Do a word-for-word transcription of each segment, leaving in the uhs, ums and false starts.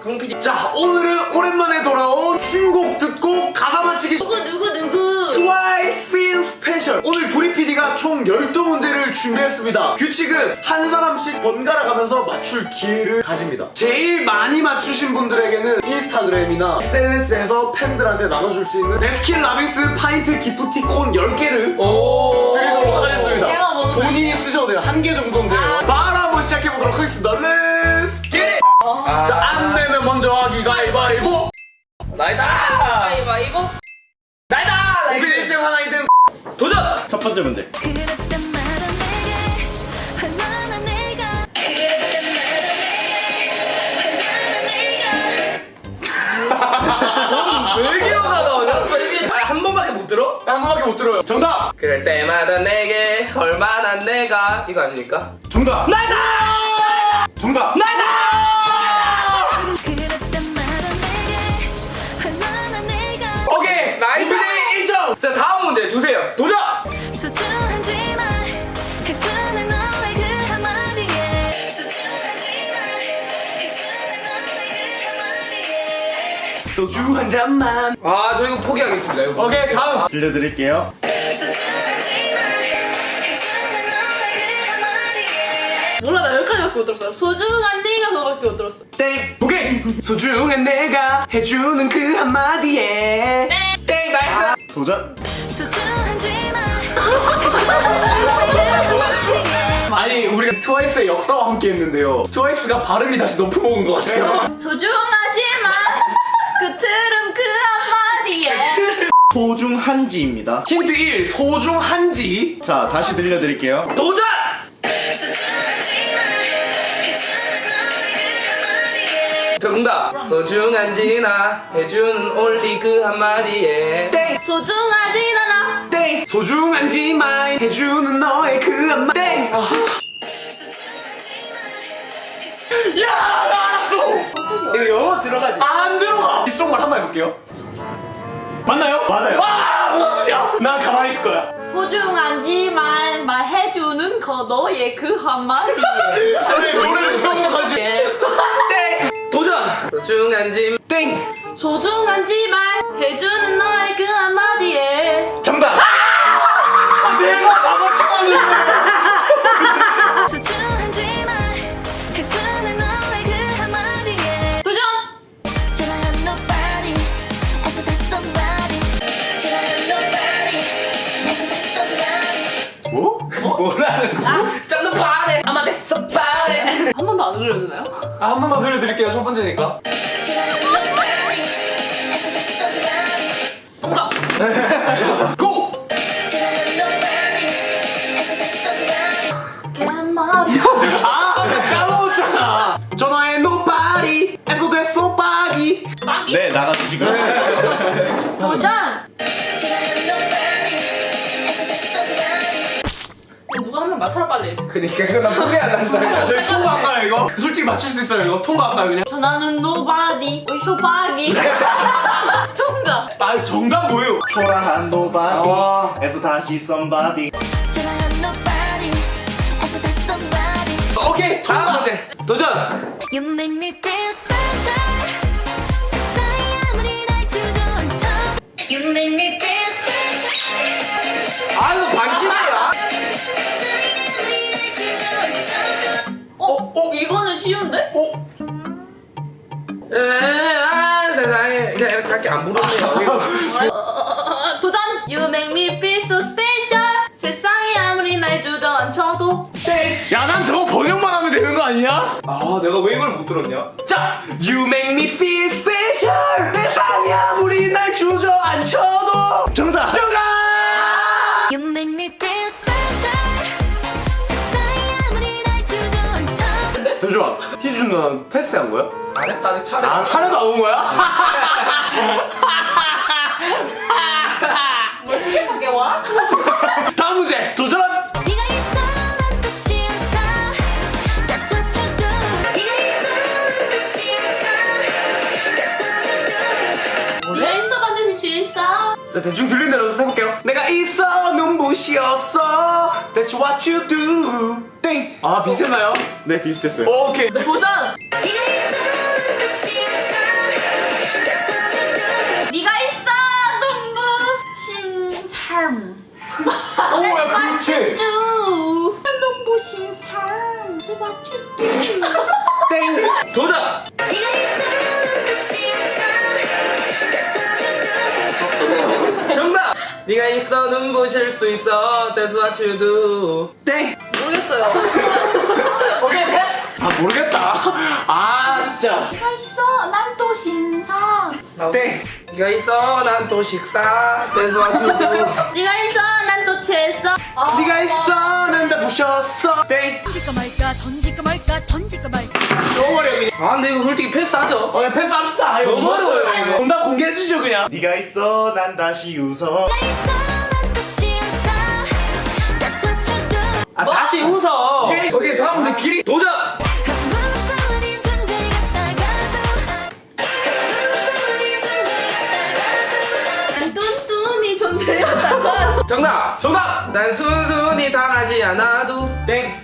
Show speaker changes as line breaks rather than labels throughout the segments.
강피디.
자, 오늘은 오랜만에 돌아온 신곡 듣고 가사 맞히기
누구 누구 누구
트와이스 Feel 스페셜. 오늘 도리 피디가 총 열두 문제를 준비했습니다. 규칙은 한 사람씩 번갈아 가면서 맞출 기회를 가집니다. 제일 많이 맞추신 분들에게는 인스타그램이나 에스엔에스에서 팬들한테 나눠줄 수 있는 네스킨 라빈스 파인트 기프티콘 열 개를
오.
드리도록 하겠습니다.
제가 먹으면
본인이 쓰셔도 돼요. 한 개 정도는 돼요. 바로 한번 시작해보도록 하겠습니다. 렛츠 겟!
어.
자, 안 내면 먼저 하기 가위바위보!
나이다.
가위바위보.
나이다.
우리 일 등 하나 이 등
도전.
첫 번째 문제.
그랬단 말은 내게 얼마나 내가
왜 이렇게 영화 나오냐? 왜 이렇게? 아, 한 번밖에 못 들어?
한 번밖에 못 들어요. 정답!
그럴 때마다 내게 얼마나 내가 이거 아닙니까?
정답.
나이다.
정답.
그랬단 말은 내게 얼마나 내가
오케이!
나이다.
일 점!
자, 다음 문제 주세요. 도전.
소중한지만 해주는 너의 그 한마디에 소중한지만 해주는 너의 그 한마디에
소주 한 잔만.
아, 저 이거 포기하겠습니다. 이거.
오케이, 다음!
들려드릴게요.
소중한지만 해주는 너의 그 한마디에
몰라 나 여기까지밖에 못 들었어요. 소중한 네가 그거밖에 못 들었어.
땡! 오케이! 소중한 내가 해주는 그 한마디에
땡. 나이스.
도전.
소중한지만 해주는 너의 그 한마디에
아니, 우리가 트와이스의 역사와 함께 했는데요. 트와이스가 발음이 다시 높은 먹은 것 같아요.
소중하지만 그 트름 그 한마디에
소중한지입니다.
힌트 일. 소중한지.
자, 다시 들려드릴게요.
도전!
소중한지만 해주는 너의 그 한마디에
정답. 소중한지나 해주는 올리 그 한마디에
땡!
소중하진 않아.
땡! 소중한지만 해주는 너의 그 한마디. 땡! 아. 야! 알았어! 이거 영어 들어가지? 안 들어가! 뒷속말 한 번 해볼게요. 맞나요?
맞아요.
와! 뭐야! 난 가만히 있을 거야.
소중한지만 말해주는 거 너의 그 한마디에
아니, 노래를 배워가지고.
예.
땡!
도전. 소중한지
땡!
소중한지만 해주는 너의 그 한마디에
정답.
내가 다 맞춰가지고.
소중한지만 해주는 너의 그 한마디에
도전!
Till I have nobody as if there's somebody Till I have nobody as if there's somebody
뭐?
뭐라는 거?
짠도 바래. 아마 됐어 바래.
한 번도 안 들려주나요?
아, 한 번만 들려드릴게요. 첫 번째니까.
Till I have nobody as if there's somebody
정답!
고!
Till I have nobody as if there's somebody
계란말이
아! 까먹었잖아. 전화해 노파리 에서 됐어 빠기.
빵이
네, 나가주시고요.
도전!
Till I have nobody as if there's somebody
누가 한 명 맞춰라 빨리.
그니까 그거 나 포기 안 한다.
저희 통과할까요 이거? 솔직히 맞출 수 있어요 이거? 통과할까요 그냥?
전화는 nobody 어디서 빠기 통과.
아 정답 뭐예요?
초라한
와.
노바디에서 다시 somebody.
Till I have nobody as if there's somebody
오케이
다음
통과.
문제. 도전.
You make me feel special 세상이 아무리 날 주저앉혀도 You make me feel special
아유 방심이야.
세상이 아무리 날 주저앉혀도
어? 어? 이거는 쉬운데?
어?
아, 세상에 그냥 이렇게 안 부르네요.
어, 어, 어, 도전! You make me feel so special 세상이 아무리 날 주저앉혀도
야 난 저거 번역만 하면 되는 거 아니야?
아, 내가 왜 이걸 못 들었냐?
자! You make me feel special 세상이 아무리 날 주저앉혀도
정답.
정답!
You make me feel special 세상이 아무리 날 주저앉혀도
잠시만 희준 누나 패스한 거야?
안 했다 아직 차례.
아 차례도 안 온 거야?
뭐 이렇게 그게 와?
다음 문제 도전!
네가 있어 난 뜻이 없어 That's what you do 네가 있어 난 뜻이 없어 That's what you do
왜 있어 반드시 실사?
자, 대충 들린 대로 해볼게요. 내가 있어 눈부시었어 That's what you do 땡! 아 비슷했나요?
네, 비슷했어요.
오케이
도전!
네가 있어 난 뜻이 없어
오, 야, 그렇지.
쭈 눈부신 삶 대박쭈
땡. 도전.
네가 있어는 뜻이 없어 That's what you do
정답. 네가 있어 눈부실 수 있어. That's what you do.
땡.
모르겠어요.
오케이, 패스. 아, 모르겠다. 아, 진짜.
네가 있어 난 또 신상.
땡.
네가 있어 난 또 식사. That's what you do.
네가 있어 난 또 취했어.
네가 있어, 난 다 부셨어. 땡.
던질까 말까 던질까 말까 던질까 말까
너무 어려워.
아 근데 이거 솔직히 패스하죠.
어, 야, 패스합시다. 이거
너무 어려워요, 이거.
정답 공개해주시죠, 그냥.
네가 있어 난 다시 웃어.
네가 있어 난 뜻이 없어 That's what you do
아 다시 웃어.
오케이, 오케이, 다음 문제 길이.
도전.
무거운 존재 같다가도 무거운 존재 같다가도
난 뚠뚠이 존재였다가.
정답.
정답.
난 순순히 당하지 않아도.
땡.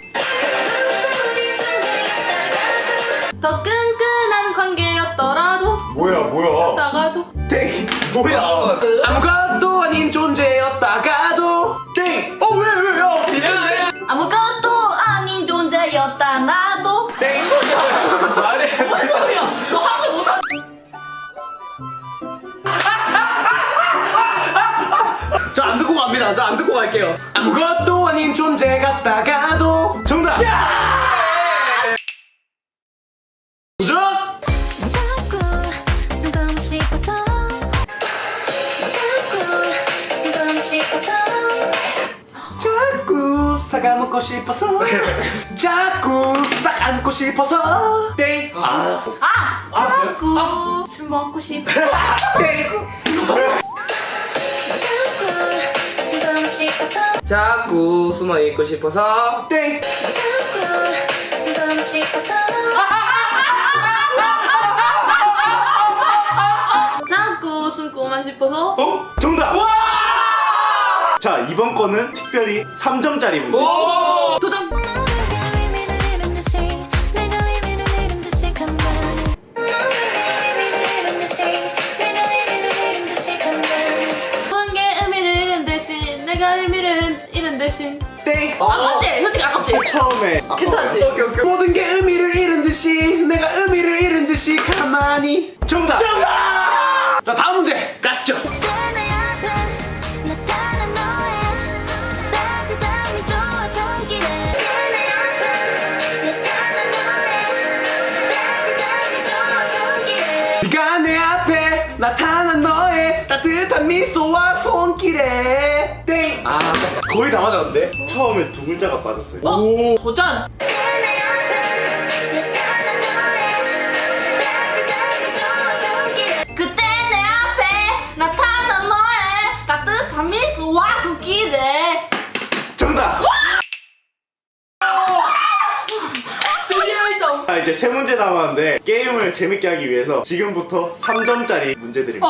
더 끈끈한 관계였더라도
뭐야, 뭐야.
다가도
땡. 뭐야. 아무것도 아닌 존재였다가도. 땡. 어, 왜, 왜, 야. 비슷한데?
아무것도 아닌 존재였다 나도.
땡. 아니,
뭔 소리야? 너 한글 못하.
저 안 듣고 갑니다. 저 안 듣고 갈게요. 아무것도 아닌 존재 같다가도.
정답.
도전.
자꾸 숨고 싶어서 자꾸 숨고 싶어서
자꾸 싹 안고 싶어서. 자꾸 싹 안고 싶어서. 땡. 아.
아 자꾸 술 먹고 싶어.
땡.
자꾸 숨고 싶어서
자꾸 숨어 있고 싶어서.
땡.
자꾸 숨고 싶어서
자꾸 숨고만 싶어서.
어?
정답. 자 이번 거는 특별히 삼 점짜리 문제.
오.
도전.
너가 의미를 잃은 듯이 내가 의미를 잃은 듯이 간다니 너가 의미를 잃은 듯이 내가 의미를 잃은 듯이 간다니
모든 게 의미를 잃은 대신 내가 의미를 잃은 대신.
땡.
아깝지? 솔직히 아깝지?
처음에
괜찮지?
오케이, 오케이. 모든 게 의미를 잃은 듯이 내가 의미를 잃은 듯이 가만히.
정답.
정답. 자, 다음 문제 가시죠.
내 앞에 나타난 너의 따뜻한 미소와 손길에 내 앞에 나타난 너의 따뜻한 미소와 손길에
네가 내 앞에 나타난 너의 따뜻한 미소와 손길에. 땡. 아, 거의 다 맞았는데.
처음에 두 글자가 빠졌어요.
어?
오.
도전.
내 앞에 나타난 너의 따뜻한 미소와 손길에
그때 내 앞에 나타난 너의 따뜻한 미소와 손길에.
정답.
드디어 일 점.
자 이제 세 문제 남았는데 게임을 재밌게 하기 위해서 지금부터 삼 점짜리 문제 드립니다.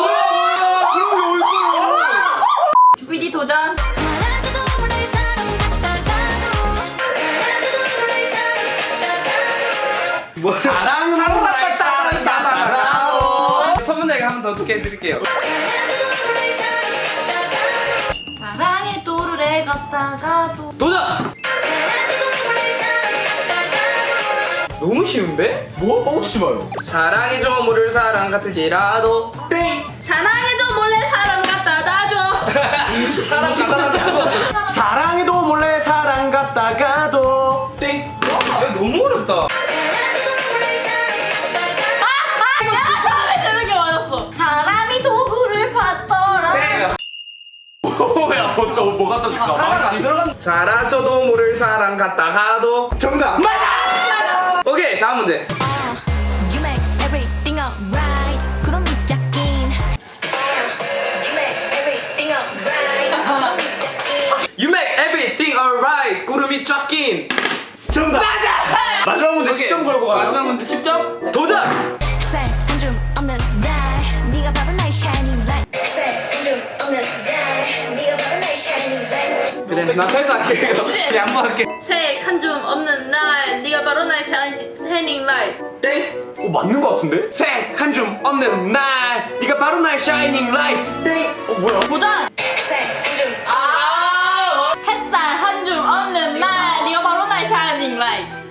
주피디 도전.
사랑도 몰래 사랑받다가도 사랑도 몰래 사랑받다가도
뭐
사랑은
사랑받다,
사랑받다,
사랑받다. 첫 문제 한 번 더 듣게 해드릴게요.
사랑도 몰래 사랑받다가도
사랑의 도르래 갔다가도.
도전.
사랑도 몰래 사랑받다가도
너무 쉬운데?
뭐? 뻥치지 마요.
사랑이 좀 물을 사랑 같을지라도.
땡.
사랑해줘 몰래 사랑 갖다 놔줘.
사랑 갖다
사랑해도 몰래 사랑 갔다가도. 땡.
너무 어렵다.
사랑도 몰래 사랑받다가도
아, 내가 처음에 들은 게 맞았어. 사람이 도구를 받더라.
땡. 뭐야? 또 뭐 갖다 줄까? 망치.
사라져도 모를 사랑 같다가도.
정답.
오케이 다음 문제.
You make everything alright 그럼 짝긴 You make everything alright 그럼 짝긴
You make everything alright. 구름이 쫙 낀.
정답.
마지막 문제
오케이.
십 점 걸고 가요.
마지막 문제 십 점. 도전.
색 한줌 없는 날 네가 바로 나의 shining light 색 한줌 없는 날 네가 바로 나의 shining light
그래 나 패스할게. 이거. 양보할게.
색 한 줌 없는 날 네가 바로 나의 샤이닝 라이트.
땡. 어, 맞는 거 같은데? 색 한 줌 없는 날 네가 바로 나의 샤이닝 라이트. 땡. 어, 뭐야?
도전.
색 한줌
아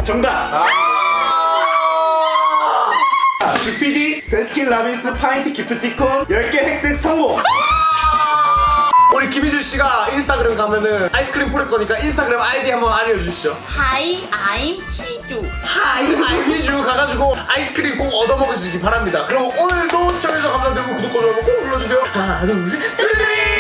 정답! 아, 주피디 베스킨라빈스 파인트 기프티콘 열 개 획득 성공!
우리 김희주 씨가 인스타그램 가면은 아이스크림 뿌릴 거니까 인스타그램 아이디 한번 알려주시죠.
Hi, I'm 희주.
하이 아이비주 가가지고 아이스크림 꼭 얻어먹으시기 바랍니다. 그럼 오늘도 시청해주셔서 감사드리고 구독과 좋아요 꼭 눌러주세요. 하나 둘셋 뚜리뚜리